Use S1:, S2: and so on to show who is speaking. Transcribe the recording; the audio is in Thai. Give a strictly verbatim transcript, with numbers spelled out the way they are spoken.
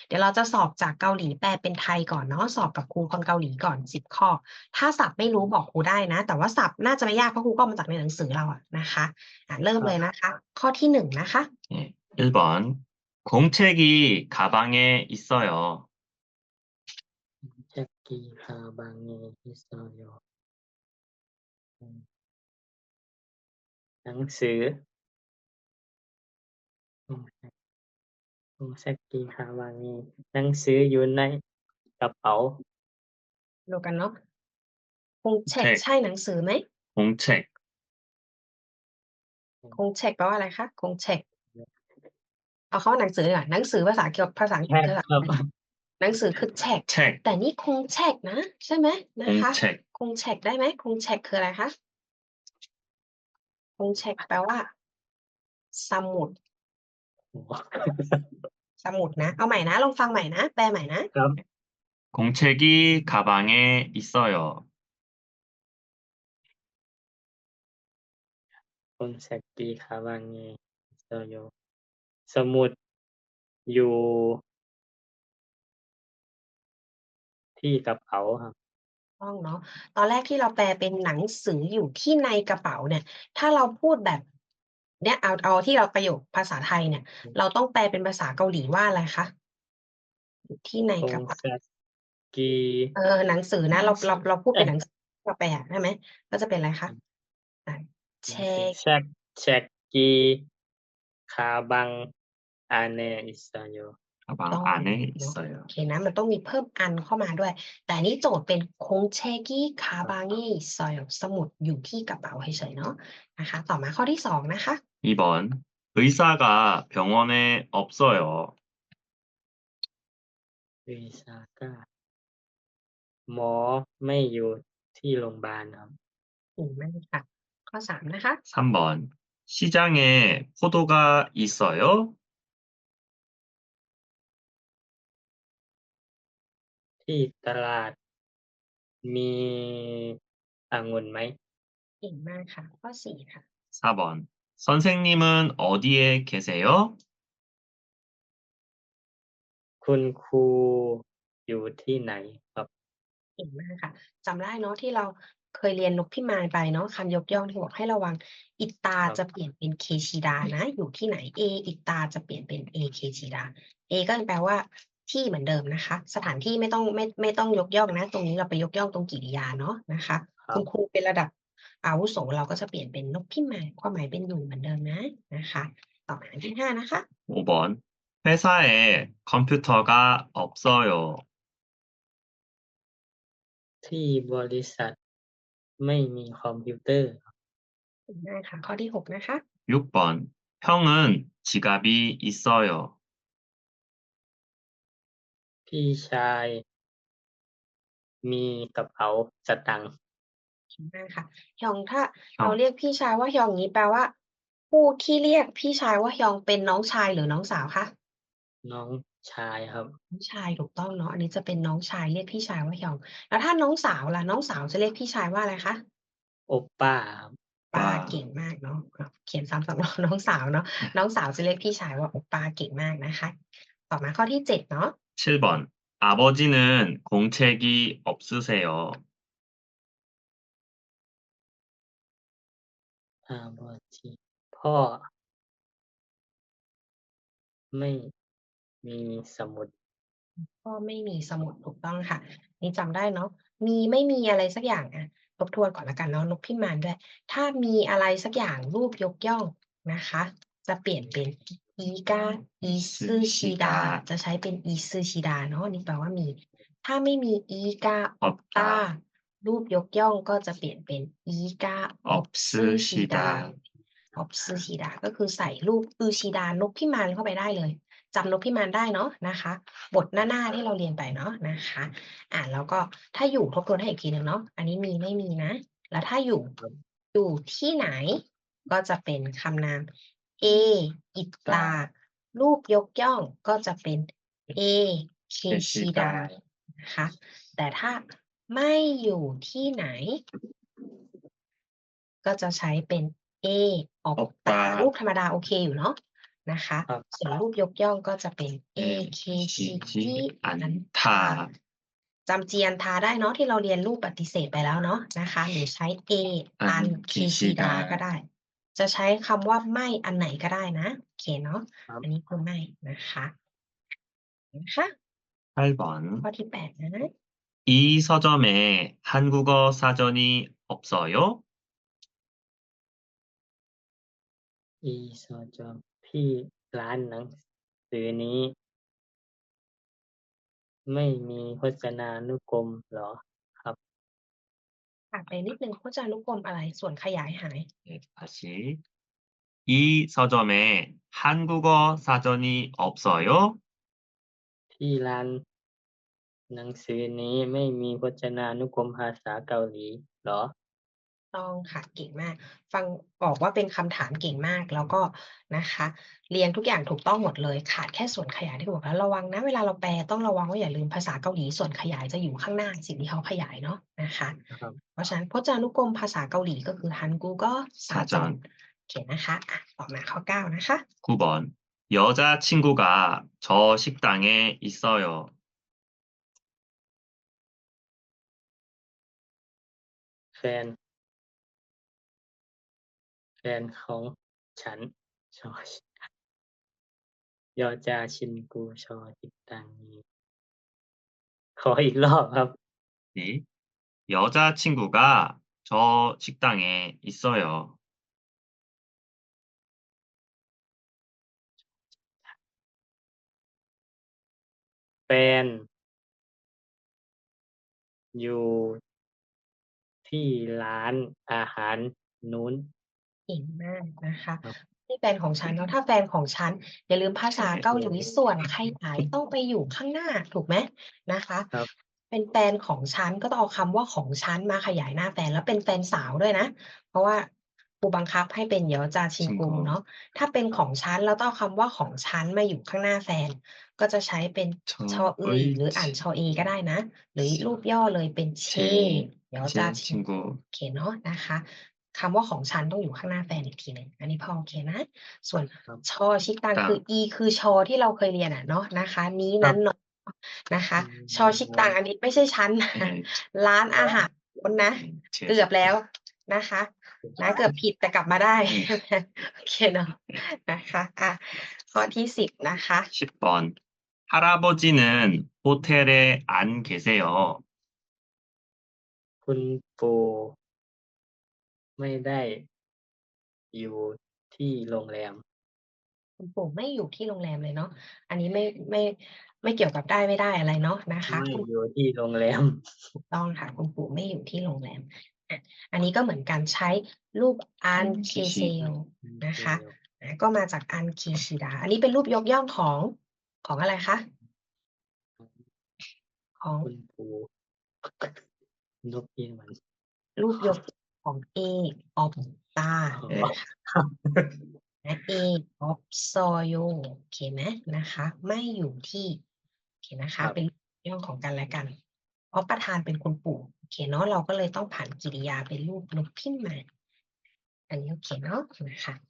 S1: เดี๋ยวเราจะสอบจากเกาหลีแปลเป็นไทยก่อนเนาะสอบกับครูคนเกาหลีก่อนสิบข้อถ้าศัพท์ไม่รู้บอกครูได้นะแต่ว่าศัพท์น่าจะไม่ยากเพราะครูก็เอามาจากในหนังสือเราอะนะคะอ่ะเริ่มเลยนะคะ ข้อที่หนึ่งนะคะ
S2: 예, 일 번. 공책이 가방에 있어요.
S3: 책이 가방에 있어요. 음, หนังสือ 공책이 가방에 หนังสืออยู่ในกระเป๋า
S1: ดูกันเนาะคงเช็ค
S2: 공책,
S1: ใช่หนังสือไหม
S2: 공책,
S1: คงเช็คแปลว่าอะไรคะคงเช็คเอาคำว่าหนังสือดีกว่าหนังสือภาษาเกี่ยวกับภาษาอังกฤษ
S3: แท็ก
S1: ภาษา
S3: ครับ
S1: หนังสือคือเช็ค
S2: 책,
S1: แต่นี่คงเช็คนะ ใช่ไหมนะคะ
S2: 공책,
S1: คงเช็คได้ไหมคงเช็คคืออะไรคะคงเช็คแปลว่า สมุด สมุดนะ เอาใหม่นะ ลองฟังใหม่นะ แปลใหม่นะ
S3: ครับ
S2: 공책이 가방에 있어요.
S3: 공책이 가방에 있어요. สมุดอยู่ที่กระเป๋าครับ
S1: ต้องเนาะตอนแรกที่เราแปลเป็นหนังสืออยู่ที่ในกระเป๋าเนี่ย ถ้าเราพูดแบบเนี่ยเอาเอาที่เราประโยคภาษาไทยเนี่ย เราต้องแปลเป็นภาษาเกาหลีว่าอะไรคะอยู่ที่ในกระเป๋า
S3: 공책이
S1: เออหนังสือนะเราเราเราพูดเป็นหนังสือเราแปลใช่ไหมก็จะเป็นอะไรคะอ่ะเช็ค
S3: 책 책이 가방 안에 있어요.
S2: 가방
S1: ต้อง
S2: 안에
S1: เนาะ
S2: 있어요.
S1: โอเคนะมันต้องมีเพิ่มอันเข้ามาด้วย แต่อันนี้โจทย์เป็นคงเชกิคาบางิซอยสมุดอยู่ที่กระเป๋าเฉยๆเนาะนะคะ ต่อมาข้อที่สองนะคะ
S2: 이 번. 의사가 병원에 없어요.
S3: 의사가 หมอไม่อยู่ที่โรงพยาบาลครับ
S1: ถูกไหมค่ะข้อสามนะคะ
S2: 삼 번. 시장에 포도가 있어요.
S3: ที่ตลาดมีองุ่นไหม
S1: เก่งมากค่ะ ข้อสี่ค่ะ
S2: 사 번. 선생님은 어디에 계세요?
S3: คุณครูอยู่ที่ไหนครับ
S1: เก่งมากค่ะจำได้เนาะที่เราเคยเรียนนกพิมานไปเนาะคำยกย่องที่บอกให้ระวังอิตา
S3: ครับ
S1: จะเปลี่ยนเป็นเคชิดานะ อยู่ที่ไหน เออิตาจะเปลี่ยนเป็นเอเคชิดา เอก็แปลว่าที่เหมือนเดิมนะคะ สถานที่ไม่ต้องไม่ไม่ต้องยกย่องนะ ตรงนี้เราไปยกย่องตรงกริยาเนาะนะคะ
S3: ครั
S1: คุ
S3: บ
S1: ณครูเป็นระดับอาวุโสเราก็จะเปลี่ยนเป็นนกพิมานความหมายเป็นอยู่เหมือนเดิมนะนะคะต่อมาอันที่ห้านะคะ
S2: 오 번. 회사에 컴퓨터가 없어요.
S3: ที่บริษัทไม่มีคอมพิวเตอร์
S1: เก่งมากค่ะ ข้อที่หกนะคะ
S2: 육 번. 형은 지갑이 있어요.
S3: พี่ชายมีกระเป๋าสตางค์
S1: เก่งมากค่ะฮยองถ้า
S2: 형,
S1: เราเรียกพี่ชายว่าฮยองนี้แปลว่า ผู้ที่เรียกพี่ชายว่าฮยองเป็นน้องชายหรือน้องสาวคะ
S3: น้องชายครับ
S1: น้องชายถูกต้องเนาะอันนี้จะเป็นน้องชายเรียกพี่ชายว่าฮยอง แล้วถ้าน้องสาวล่ะน้องสาวจะเรียกพี่ชายว่าอะไรคะ
S3: โอป้าครับ
S1: ป้า
S2: ป้า
S1: เก่งมากเนาะอ่ะเขียนซ้ำสองรอบ น้องสาวเนาะน้องสาวจะเรียกพี่ชายว่าโอป้าเก่งมากนะคะ ต่อมาข้อที่เจ็ดเนาะ
S2: 칠 번. 아버지는 공책이 없으세요.
S3: อาบอจีพ่อ ไม่มีสมุด
S1: ก็ไม่มีสมุดถูกต้องค่ะ นี่จำได้เนาะมีไม่มีอะไรสักอย่างอะทบทวนก่อนแล้วกันเนาะนกพิมานด้วย ถ้ามีอะไรสักอย่างรูปยกย่องนะคะ จะเปลี่ยนเป็นอีกาอีซึชิดาจะใช้เป็นอีซึชิดาเนาะนี่แปลว่ามี ถ้าไม่มีอีกาออปตา
S2: 없다.
S1: รูปยกย่องก็จะเปลี่ยนเป็นอีกาออปซึชิดา
S2: 없으시다.
S1: ออปซึชิดาก็คือใส่รูปอือชิดานกพิมานเข้าไปได้เลยจำนกพิมานได้เนาะนะคะ บทหน้าๆที่เราเรียนไปเนาะนะคะ อ่าแล้วก็ถ้าอยู่ทบทวนให้อีกทีหนึ่งเนาะอันนี้มีไม่มีนะ แล้วถ้าอยู่
S3: ครับ
S1: อยู่ที่ไหน ก็จะเป็นคำนาม A อิตา รูปยกย่องก็จะเป็น A เคชิดา นะคะ แต่ถ้าไม่อยู่ที่ไหน ก็จะใช้เป็น A ออกตา
S2: 없다.
S1: รูปธรรมดาโอเคอยู่เนาะนะคะ
S3: ครับ
S1: ส่วนรูปยกย่องก็จะเป็น เอ เค ชิ จิ
S2: 에키지
S1: อันทา
S2: 않다.
S1: จำจีอันทาได้เนาะที่เราเรียนรูปปฏิเสธไปแล้วเนาะนะคะ หรือใช้ เอ อันเคชิดา ก็
S2: 안키시다.
S1: ได้ จะใช้คำว่าไม่อันไหนก็ได้นะ โอเคเนาะ
S3: ครับ
S1: อันนี้คือไม่นะคะ นะคะ
S2: 팔
S1: ข้อ
S2: 번.
S1: ที่ แปด นะ
S2: 이 서점에 한국어 사전이 없어요?
S3: อีซอจอมที่ร้านหนังสือนี้ ไม่มีพจนานุกรมเหรอครับ?
S1: ขาดไปนิดหนึ่ง พจนานุกรมอะไร? ส่วนขยายหาย
S2: 네, 다시. 이 서점에 한국어 사전이 없어요?
S3: ที่ร้านหนังสือนี้ไม่มีพจนานุกรมภาษาเกาหลีเหรอ?
S1: ต้องค่ะ เก่งมาก ฟังออกว่าเป็นคำถามเก่งมาก แล้วก็นะคะ เรียงทุกอย่างถูกต้องหมดเลย ขาดแค่ส่วนขยายที่บอกแล้ว ระวังนะ เวลาเราแปลต้องระวังว่าอย่าลืมภาษาเกาหลีส่วนขยายจะอยู่ข้างหน้าสิ่งที่เขาขยายเนาะนะคะ
S3: ครับ
S1: เพราะฉะนั้นพจนานุกรมภาษาเกาหลีก็คือ 한국어 사전
S2: 사전.
S1: โอเคนะคะ อะ ต่อมาข้อ เก้า นะคะ
S2: 구 번. 여자친구가 저 식당에 있어요.
S3: แฟน แฟนของฉัน ชอชิกะ ยอจาชินกู ชอชิตังนี ขออีกรอบครับ
S2: 네. 여자친구가 저 식당에 있어요.
S3: แฟน อยู่ ที่ร้านอาหารนู้น
S1: เก่งมากนะคะ
S3: ครับ
S1: นี่แฟนของฉันเนาะ ถ้าแฟนของฉัน อย่าลืมภาษาเกาหลีส่วนขยายต้องไปอยู่ข้างหน้า ถูกไหม? นะคะ
S3: ครับ
S1: เป็นแฟนของฉัน ก็ต้องเอาคำว่าของฉันมาขยายหน้าแฟน แล้วเป็นแฟนสาวด้วยนะ เพราะว่าครูบังคับให้เป็น ยอจาชินกู
S2: 친구.
S1: เนาะ ถ้าเป็นของฉัน เราต้องเอาคำว่าของฉันมาอยู่ข้างหน้าแฟน ก็จะใช้เป็น ชออึย หรืออ่าน ชอเอ ก็ได้นะ หรือรูปย่อเลยเป็น เช
S2: 제
S1: ยอจา
S2: 제
S1: ชิน โอ
S2: 친구.
S1: เคเนาะนะคะ คำว่าของฉันต้องอยู่ข้างหน้าแฟนอีกทีหนึ่ง อันนี้พอโอเคนะ ส่วน
S3: ครับ
S1: ชอชิตัง คือ
S2: ตัง
S1: อี คือชอที่เราเคยเรียนอะเนาะนะคะ นี้
S3: คร
S1: นัั้
S3: บ
S1: น เนาะ นะคะ
S3: อืม
S1: ชอชิตัง อันนี้ไม่ใช่ฉัน นะ
S2: 네.
S1: ร้านอาหารนู้นนะ
S2: 네.
S1: เกือบแล้วนะคะ นะ เกือบผิดแต่กลับมาได้
S2: 네.
S1: โอเคเนาะ นะคะ อะ ข้อที่ สิบ นะคะ
S2: 십 번. 할아버지는 호텔에 안 계세요.
S3: คุณปู่ ไม่ได้ อยู่ที่โรงแรม
S1: คุณปู่ไม่อยู่ที่โรงแรมเลยเนาะ อันนี้ไม่ ไม่ ไม่เกี่ยวกับได้ไม่ได้อะไรเนาะนะคะ
S3: ไม่
S1: คุณ
S3: อยู่ที่โรงแรม
S1: ถูกต้องค่ะ คุณปู่ไม่อยู่ที่โรงแรม อะ อันนี้ก็เหมือนกันใช้รูป an keseyo นะคะ อา ก็มาจาก an keshida อันนี้เป็นรูปยกย่องของ ของอะไรคะ? ของ
S3: คุณปู่ นกอีหวัน
S1: รูปยกของ เอ opta
S3: อ๋อ
S1: นะคะ
S3: ครับ
S1: และ เอ opsoyo โอเคไหม? นะคะ ไม่อยู่ที่ โอเคนะ
S3: ค
S1: คะ
S3: รับ
S1: เป็นเรื่องของกันและกัน เพราะประธานเป็นคุณปู่ โอเคเนาะ เราก็เลยต้องผ่านกริยาเป็นรูปนกพิราบ อันนี้โอเคเนาะ นะคะ